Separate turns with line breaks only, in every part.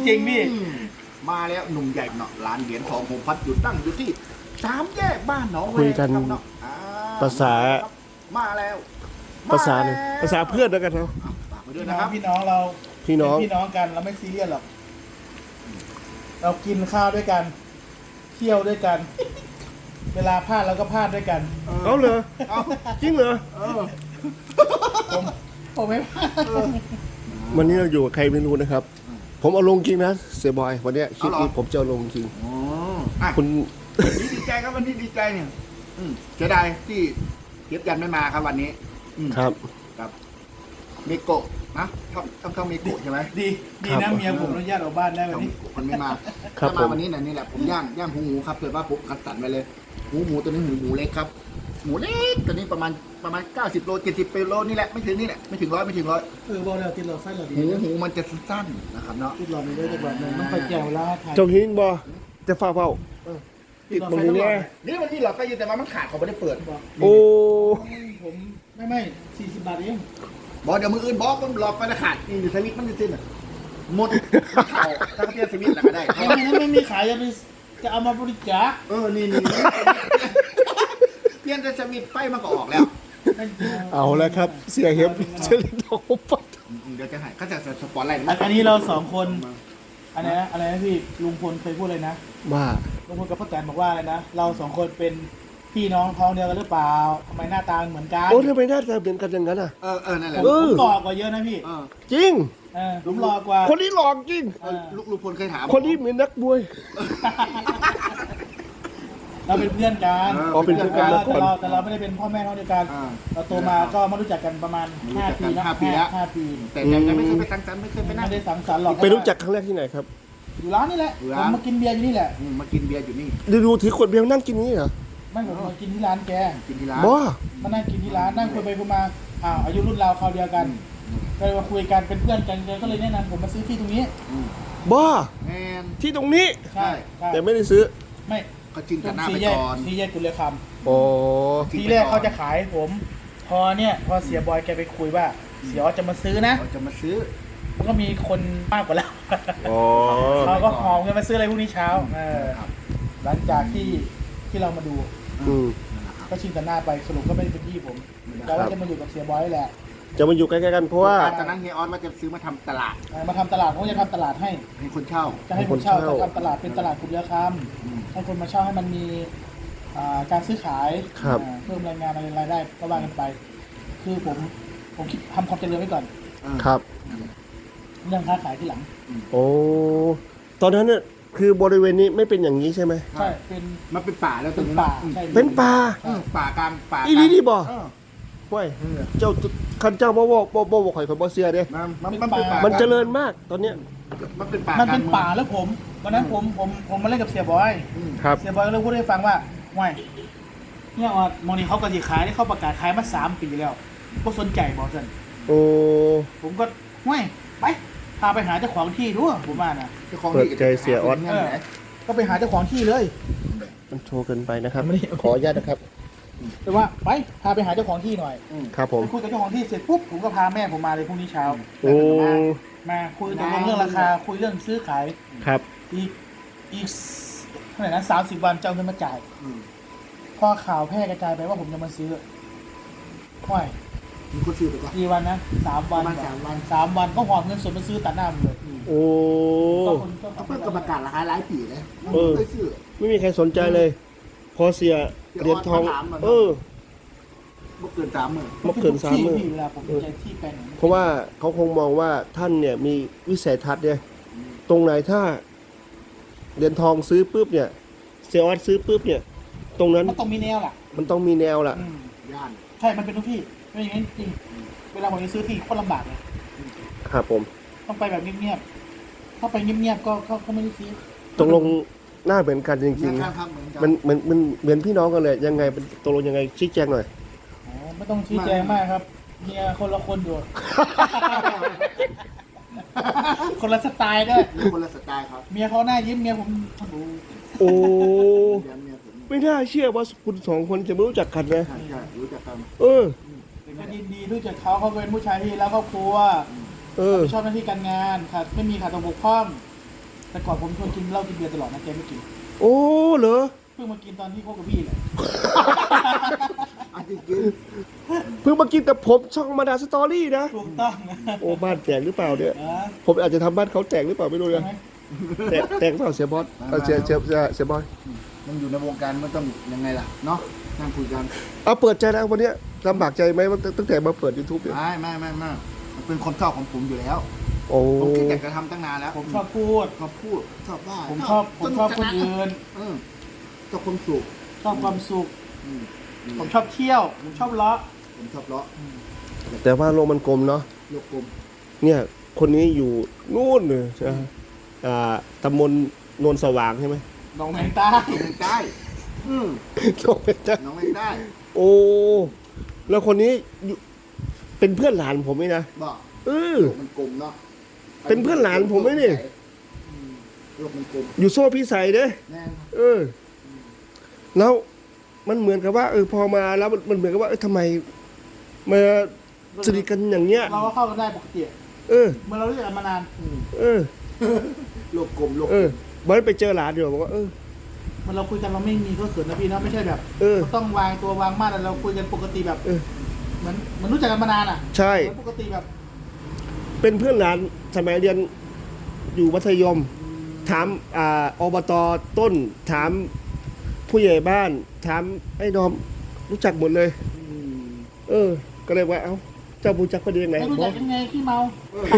ริงๆพี่
มาแล้วหนุ่มใหญ่เนาะร้านเหรียญทองพงพัฒน์อยู่ตั้งอยู่ที่3 แยกบ้านหนองแว
คุยกัน
ครับเนาะ
ภาษา
มาแล้ว
ภาษาเนี่ยภาษาเพื่อนแล้วกันเนาะ
ฝากไปด้วยนะครับ
พี่น้องเรา
พี่น้อง
เป็นพี่น้องกันเราไม่ซีเรียสหรอกเรากินข้าวด้วยกันเที่ยวด้วยกัน เวลาพลาดเราก็พลาดด้วยกัน
เอาเหรอ
เอา
จริงเหรอ
ผมไม่พลาด
วันนี้เราอยู่กับใครไม่รู้นะครับ ผมเอาลงจริงนะเสียบอยวันเนี้ยคลิปนี้ผมจะเอาลงจริง
อ๋ออ่ะ
คุณ
ดีใจครับวันนี้ดีใจเนี่ยเสียดายที่เย็บยันไม่มาครับวันนี้
ครับ
ครับเมโกะนะต้องเมโกะใช่ไหม
ดีนะเมียผมอนุญาตออกบ้านได้วันนี้
มันไม่มา
ครับ
ถ้า
ผม
มาวันนี้นี่แหละผมย่างหูหมูครับเผื่อว่าผมคัดสรรไปเลยหมูตัวนี้หมูเล็กครับหมูเล็กตัวนี้ประมาณ90 โล70โลนี่แหละไม่ถึงนี่แหละไม่ถึง100
บอกแล้วติดหลอดไฟหลอดดี
หูมันจะสั้นๆนะครับเนาะ
ติดหลอดนี้ด้วยแต่แบบนึงต้องไปแก้วแล้วถ่าย
เจ้าหิงบอจะฝ้าเฝ้า
ติดหลอด
ตรง
ไฟ
นี้
ตลอ
เนี่
ด
ย
นี่มันนี่หลอดไฟอยู่แต่ว่ามันขาดเขาไม่ได้เปิด
โอ้
ผมไม่40 บาทเอง
บอกเดี๋ยวมืออื่นบอกมันหลอดไฟขาดนี่อยู่สวิตช์มันจะสิ้นอ่ะหมดเข่าถ้าเปลี่ยนสวิตช์แล้วก็ได้
ไม่มีขายจะเอามาบริจาค
นี่เปลี่ยนแต่สวิตช์ไฟมันก็ออกแล้ว
เอาแล้วครับ เสียเห็บเชลิโดปัด
เดี๋ยวจะให้เขาจะสปอนไลน์
อันนี้เรา2 คนอะไรนะพี่ลุงพลเคยพูดเลยนะ
ว่า
ลุงพลกับพ่อแตนบอกว่าอะไรนะเรา2 คนเป็นพี่น้องท้องเดียวกันหรือเปล่าทำไมหน้าตาเหมือนกัน
โอ้ทำไมหน้าตาเหมือนกันอย่างนั้นอ่ะ
นั่นแหละ
ผมหล่อกว่าเยอะนะพี่
จริง
ผมหล่อกว่า
คนนี้หลอกจริง
ลูกพลเคยถาม
คนนี้เหมือนนักมวย
เราเป็นเพื่อนกัน
อ๋อเป็นเพื่อนกัน
แต่เราไม่ได้เป็นพ่อแม่ท้องเดียวกันเราโตมาก็มารู้จักกันประมาณ5 ปีนะ5 ปี
แต่ยังไม่เคยไปสังสรรค์ไม่เคยไปนั่
ไม่
ง
ได้สังสรรค์หรอก
ไปรู้จักครั้งแรกที่ไหนครับ
อยู่ร้านนี่แหละผมมากินเบียร์อยู่นี่แหละ
มากินเบียร์อยู่นี่
ดูถือขวดเบียร์นั่งกินนี้เหรอ
ไม่ผมมากินที่ร้านแก
กินที่ร้าน
บ้า
มานั่งกินที่ร้านนั่งคุยไปคุยมาอายุรุ่นราวคราวเดียวกันก็เลยมาคุยกันเป็นเพื่อนกันก็เลยแนะนำผมมาซื้อที่ตรงนี้
บ้า
แมน
ที่ตรงนี้
ใช่
แต่ไม่ได้ซื้อ
ไม่
ก็จินกันหน้าไป
สี่แยก
ก่อน
สี่แยกกุลเลค
โอ้
ำทีแรกเขาจะขายผม พอเสียบอยแกไปคุยว่าเสียออสจะมาซื้อนะ
เราจะมาซื้อ
มันก็มีคนมากกว่าเรา
อ๋อ
เขาก็หอมกันมาซื้ออะไรพวกนี้เช้าหลังจากที่เรามาดู
อืม
ก็ชิงกันหน้าไปสรุปก็ไม่ได้เป็นที่ผมแต่ว่าจะมาอยู่กับเสียบอยนี่แหละ
จะมาอยู่ใกล้ๆกันเพราะว่า
ตอนนั้นเฮียออสว่าจะซื้อมาทำตลาด
มาทำตลาดผมจะทำตลาดให้
ให้คนเช่า
จะให้คนเช่าจะทำตลาดเป็นตลาดกลุ่มเรือคำให้คนมาเช่าให้มันมีการซื้อขาย
ครับ
เพิ่มรายงานอะไรรายได้ก็ว่ากันไป คือผมคิดทำความเจริญไว้ก่อน
ครับ
เรื่องค้าขายที่หลัง
โอ้ตอนนั้นเนี่ยคือบริเวณนี้ไม่เป็นอย่างนี้ใช่ไหม
ใช่เป็น
มันเป็นป่าแล้วตรงนี้
ป่าใช่
เป็นป่า
ป่ากลางป่า
อีนี่บ่
เออ
ห้วยเจ้าคันเจ้าบ่บอกข่อยบ่เสียเด้
มันเป็นป่า
มันเจริญมากตอนเนี้ย
มันเป็นป่า
มั
มัน
เป็นป่าแล้วผมวันนั้นผมมาเล่นกับเสียบอย
ครับ
เสียบอยก็เลยพูดให้ฟังว่าห่วยเนี่ยออดมองนี่เขากระดิขายได้เขาประกาศขายมา3 ปีแล้วพวกสนใจบอกสัน
โอ้
ผมก็ห่วยไปพาไปหาเจ้าของที่ดูผมว่านะ
เปิดใจเสียออส
ก็ไปหาเจ้าของที่เลย
มันโชว์เกินไปนะครับ
ไม่ได้
ขออนุญาตนะครับ
แต่ว่าไปพาไปหาเจ้าของที่หน่อย
ครับผม
ไปคุยกับเจ้าของที่เสร็จปุ๊บผมก็พาแม่ผมมาเลยพรุ่งนี้เช้า
โอ้
มาคุยตกลงเรื่องราคาคุยเรื่องซื้อขาย
ครับ
อีกเท่าไหร่นะ30 วันจะเอาเงินมาจ่ายพอข่าวแพร่กระจายไปว่าผมจะมาซื้อห่วย
มีคนซื้อไปก่อน
กี่วันนะ3 วัน
ประมาณ3 วัน
3 วันก็หอบเงินสดมาซื้อตัดหน้าผมเลย
โอ้
ก็คนก็
เขาเพิ่งประกาศราคาหลายปีเลยไม่เคยซื้อ
ไม่มีใครสนใจเลย พอเสียเหรียญทอง
เดี๋ยวออสมาถามมัน
เออ
บ่เกิน30,000
มาเกิน3 มื้อ
เวลาผมใจที่แปลงไหน
เพราะว่าเขาคงมองว่าท่านเนี่ยมีวิสัยทัศน์เนี่ยตรงไหนถ้าเหรียญทองซื้อปุ๊บเนี่ยเสียออสซื้อปุ๊บเนี่ย ตรงนั้น
มันต้องมีแนวล่ะ
มันต้องมีแนวล่ะ
ย่าน
ใช่มันเป็นทุกที่ไม่อย่างนั้นจริงเวลาผมจะซื้อที่โคตรลำบากเลย
ครับผม
ต้องไปแบบเงียบๆถ้าไปเงียบๆก็ไม่ได้ซื้อ
ตกลงหน้าเหมือนกันจริง
ข้างๆเหมือนกัน
ๆมันเหมือนพี่น้องกันเลยยังไงเป็นตกลงยังไงชี้แจงหน่อย
อ๋อไม่ต้องชี้แจงมากครับเมียคนละคนอยู่ คนละสไตล์ด้วย
มีคนละสไตล์ครับ
เมียเขาหน้ายิ้มเมียผมดู
โอ้
เดี๋ยวเมียผม
ไม่น่าเชื่อว่าคุณสองคนจะไม่รู้จักกันนะ
ใช่รู้จักกัน
เออ
ก็ยินดีรู้จักเขาเป็นผู้ชายที่แล้วครอบครัว
เออ
ชอบหน้าที่การงานขาดไม่มีขาดตกบกพร่องแต่ก่อนผมชวนกินเหล้ากินเบียร์ตลอดนะแกไม่กิน
โอ้เหรอ
เพิ่งมากินตอนที่คบกับพี่แหละ
อันจริง
เพิ่งมากินแต่ผมช่องมาดาสตอรี่นะ
ถูกต้องนะ
โอ้บ้านแตกหรือเปล่าเนี่ย
เออ
ผมอาจจะทำบ้านเขาแตกหรือเปล่าไม่รู้
ใช่
นะ
ไหม
แตกเปล่าเสียบอสเสียบอย
ๆมันอยู่ในวงการมันต้องยังไงล่ะเนาะนั่งคุยกัน
เอาเปิดใจแล้ววันเนี้ยลำบากใจไหมว่าตั้งแต่มาเปิด YouTube เนี่ย
ไม่มันเป็นคนชอบของผมอยู่แล้ว
โอ้
ผมคิดอยากจะทำตั้งนานแล้ว
ผมชอบพูด
ชอบพูดชอบว่า
ผมชอบคนอื่น
ชอบคนสุข
ชอบความสุข
อืม
ผมชอบเที่ยว ผมชอบเลาะ
ผมชอบเลาะ
แต่ว่าโลกมันกลมเนาะ
โลกกลม
เนี่ยคนนี้อยู่นู่นเลยใช่ไหมตำบลโนนสว่างใช่ไหม
หนองแมงใต้
น้องเมงใต้อืม
โลกเป็นจ้า
น้องเมงใต้
โอ้แล้วคนนี้อยู่เป็นเพื่อนหลานผมไหมนะ
บอก
เออ
โลกมันกลมเนาะ
เป็นเพื่อนหลานผมไหมนี่
อืมโลกมันกลม
อยู่โซ่พี่ใส่เด้
แน่น
เออ แล้วมันเหมือนกับว่า พอมาแล้วมันเหมือนกับว่าทำไมมาสนิทกันอย่างเงี้ย
เราก็เข้ากันได้ปกติ
เออ
เมื่อเรารู้จักกันมานาน
เออ
โลกกลมโลก
เอก
ล
อ
ม
วันนั้นไปเจอหลานอยู่บอกว่า
เมื่อเราคุยกันเราไม่มีก็เขินนะพี่นะไม่ใช่แบบ
เออ
เราต้องวางตัววางมาตรเราคุยกันปกติแบบ
เออ
เหมือนรู้จักกันมานานอ่ะ
ใช่
เหมือนปกติแบบ
เป็นเพื่อนหลานสมัยเรียนอยู่มัธยม ถามอบตต้น ถามผู้ใหญ่บ้าน ถามไอ้ดอมรู้จักหมดเลย
อืม
เออ ก็เลยว่าเอ้าเจ้ารู้จักคนเดียังไง
ไม่รู้จักยังไงขี้เมา
เออ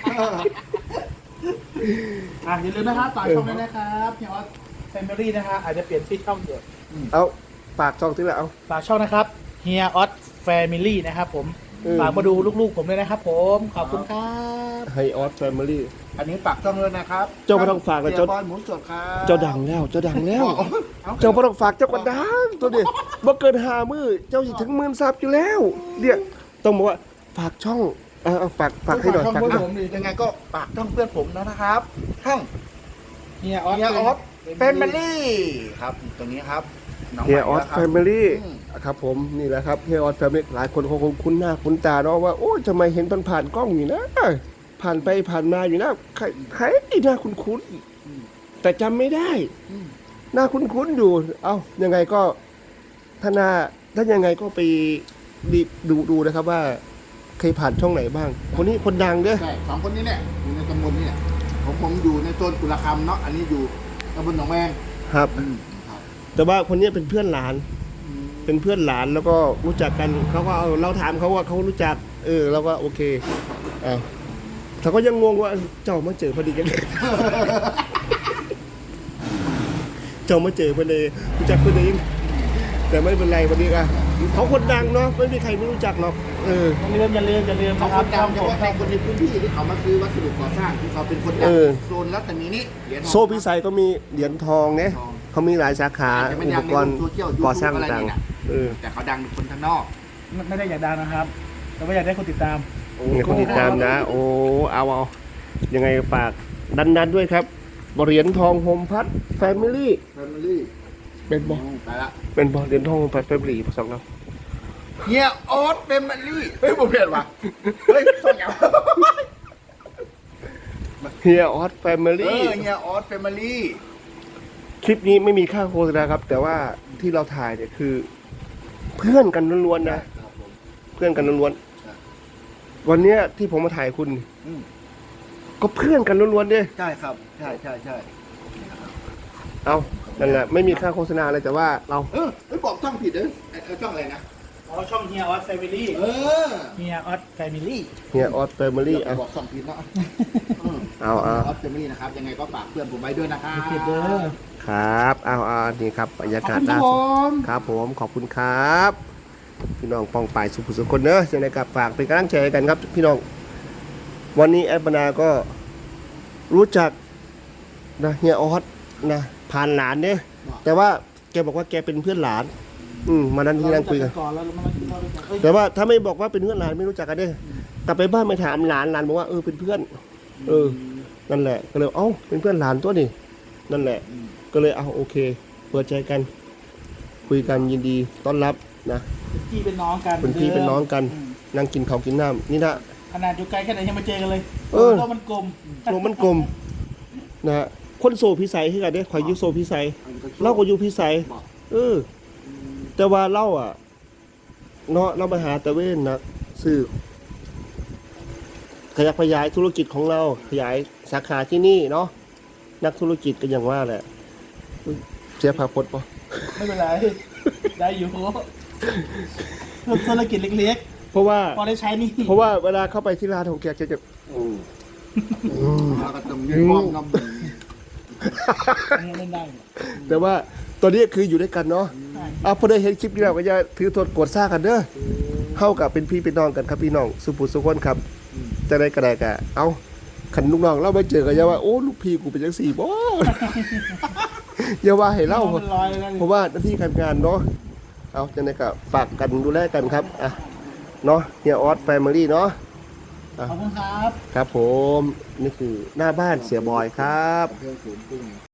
อย่าลืมนะครับฝากช่องด้วยนะครับเฮียออสแฟมิลี่นะฮะอาจจะเปลี่ยนชื่อช่องอยู่
เอาฝากช่องที่ละเอา
ฝากช่องนะครับเฮียออสแฟมิลี่นะครับผม ฝากมาดูลูกๆผมด้วยนะครับผมขอบคุณครับ
ไฮออสแฟมิลี่
อันนี้ปากช่องเลยนะครับ
เจ้าไม่ต้องฝากเลย
เจ้าบอยหมูสดครับ
เจ้าดังแล้ว เจ้าดังแล้ว
เอา
เจ้าไม่ต้องฝากเจ้าก็ดังตัวเดียวบ่เกิน5 มื้อเจ้าสิถึง10,000ซับอยู่แล้วเนี่ยต้องบอกว่าฝากช่องเอาฝากให้หน่อย
ช่อง
ฝาก
เพื่อน
หน่อย
ผมดิ
ยังไงก็ปากช่องเพื่อนผมนะครับช่อง
เฮียออส
เฮียออสแฟมิลี่ครับตรงนี้ครับน้ง
เฮียออส
ให
แฟ
ม่
มิลี่
อืม
ครับผมนี่แหละครับเฮียออสแฟมิลี่หลายคนคงคุ้นหน้าคุ้นตาเนาะว่าโอ้ยทำไมเห็นผ่านกล้องอยู่นะ ผ่านไปผ่านมาอยู่นะใครหน้าคุ้นๆแต่จำไม่ได้
อืม
หน้าคุ้นๆอยู่ เอ้ายังไงก็ถ้ายังไงก็ไปดูนะครับว่าเคยผ่านช่องไหนบ้าง คนนี้คนดังเด้อ
ใช่สองคนนี้เนี่ยอยู่ในตำบลนี่แหละผมอยู่ในโซนกุลคำเนาะอันนี้อยู่ตำบลหนองแวง
ครับ
ครับ
แต่ว่าคนนี้เป็นเพื่อนหลาน
อืม
เป็นเพื่อนหลานแล้วก็รู้จักกันเขาก็เอาเราถามเขาว่าเขารู้จักเราก็โอเคอ้าวเขาก็ยังงงว่าเจ้ามาเจอพอดีกัน เจ้ามาเจอพอดีรู้จักพอดีแต่ไม่เป็นไรวันนี้อะเขาคนดังเนาะไม่มีใครไม่รู้จักหรอก
อย่าลืม
เขา
นะค
ครับ นดั
ช่อง ง
เฉ
ผม
พาะในคนในพื้นที่ที่เขามาซื้อวัสดุก่อสร้างที่เขาเป็นคนดังโซนรัศมีนี้เหรียญทอง
โซ่พิสัยก็มีเหรียญทองเนี่ย
ทอง
เขามีหลายสาขา
อาจจะไม่
อุ
ดั
ป
งใน
กรณ์
โซเชียล
ก่อสร้าง
อะไร
ต่าง
นี่นะ
ๆ
แต่เขาดังเป็นคนข้างนอก
ไม่ได้อยากดังนะครับ แต่ว่าอยากได้คนติดตาม
เนี่ยคนติดตามนะ โอ้เอายังไงฝากดันด้วยครับเหรียญทองโฮมพัทแฟมิลี่
แฟมิลี่
เป็นบอ
ไปละ
เป็นบอเหรียญทองโฮมพัทแฟมิลี่ภาษาเรา
เฮียออสแฟมิลี่เฮ้ยผมเปลี่ยนว่ะเฮ้ยส่งอย่าง
เฮียออสแฟมิ
เอ
ลี่
อเฮียออสแฟมิลี่
คลิปนี้ไม่มีค่าโฆษณาครับ แต่ว่าที่เราถ่ายเนี่ยคือ เพื่อนกันล้วนๆนะ
ครับผม
เพื่อนกันล้วน
ใช่
ๆวันเนี้ยที่ผมมาถ่ายคุณ
อืม
ก็เพื่อนกันล้วนๆเนี่ย
ใช่ครับใช่
เอานั่นแหละไม่มีค่าโฆษณาอะไรแต่ว่าเรา
ไม่บอกช่องผิดเลยช่องอะไรนะ
อ๋อช่องเฮียออสแฟมิลี่
เออ
เฮียออสแฟมิลี่
เฮียออสแฟมิลี่
อย่า
อ่ะ
บอกช่องผิดเนาะ
เอา
ออสแฟมิลี่นะครับยังไงก็ฝากเพื่อนผมไว้ด้วยนะครับ
เก็บเด้อ
ครับเอานี่ครับบรรยา
ขอบ
กาศ
คุณครั
ล่า
บผ
สุด
ม
ครับผมขอบคุณครับพี่น้องปองป่ายสุภุสุคนเนอะยังไงกับฝากเป็นกำลังใจให้กันครับ พี่น้องวันนี้แอดบรรดาก็รู้จักนะเฮียออสนะผ่านหลานเนี่ยแต่ว่าแกบอกว่าแกเป็นเพื่อนหลาน มานั้นที่นั่งคุยกัน
ก่อนแล้วเรามากินข้าวด้วยกันเอ้ย
แต่ว่าถ้าไม่บอกว่าเป็นเพื่อนหลานไม่รู้จักกันเนี่ยกลับไปบ้านไปถามหลานบอกว่าเป็นเพื่อน นั่นแหละก็เลยเป็นเพื่อนหลานตัวนี่นั่นแหละ ก็เลยโอเคเปิดใจกัน คุยกันยินดีต้อนรับนะ
เป็นพี่เป็นน้องกัน
เป็นพี่เป็นน้องกัน
อืม
นั่งกินข้าวกินน้ำนี่นะ
ขนาดอยู่ไกลแค่ไหนยังมาเจอกันเลย
เออ
โลกมันกลม
โลกมันกลมนะฮะคนโซพิสัยคือกันเด้ข่อยอยู่โซพิสัย
อันนี้ก็
เราก็อยู่พิสัย
บอก
แต่ว่าเราอ่ะเนาะเรามาหาตะเวนนะซื้อขยับขยายธุรกิจของเราขยายสาขาที่นี่เนาะนักธุรกิจก็อย่างว่าแหละอุ๊ยเสียภาพพจน์ปะ
ไม่เป็นไร ได้อยู่ธุรกิจเล็ก
เพราะว่า
ๆ พอได้ใช้นี่
เพราะว่าเวลาเข้าไปที่ร้านของแกจะ
แล้วก็ต้องมีมองน้ำ
เล่นได้เนี่ย
แต่ว่าตอนนี้คืออยู่ด้วยกันเนาะ
ใช่
พอได้เห็นคลิปนี้เราก็จะถือโทษโกรธซ่ากันเด้อเข้ากับเป็นพี่เป็นน้องกันครับพี่น้องสุภุสุคนครับจะได้กระไดกะเอาขันลูกน้องเราไปเจอกันอย่าว่าโอ้ลูกพี่กูเป็นจังสี่บ่ อย่าว่าให้เล่า
มันลอยเลยนะ
เพราะว่าหน้าที่การงานเนาะเอาจังไดก็ฝากกันดูแลกันครับอ่ะเนาะเฮียออสแฟมิลี่เนาะ
ขอบคุณครับ
ครับผมนี่คือหน้าบ้านเสียบอยครับ
เพื่อนฝูงกุ้ง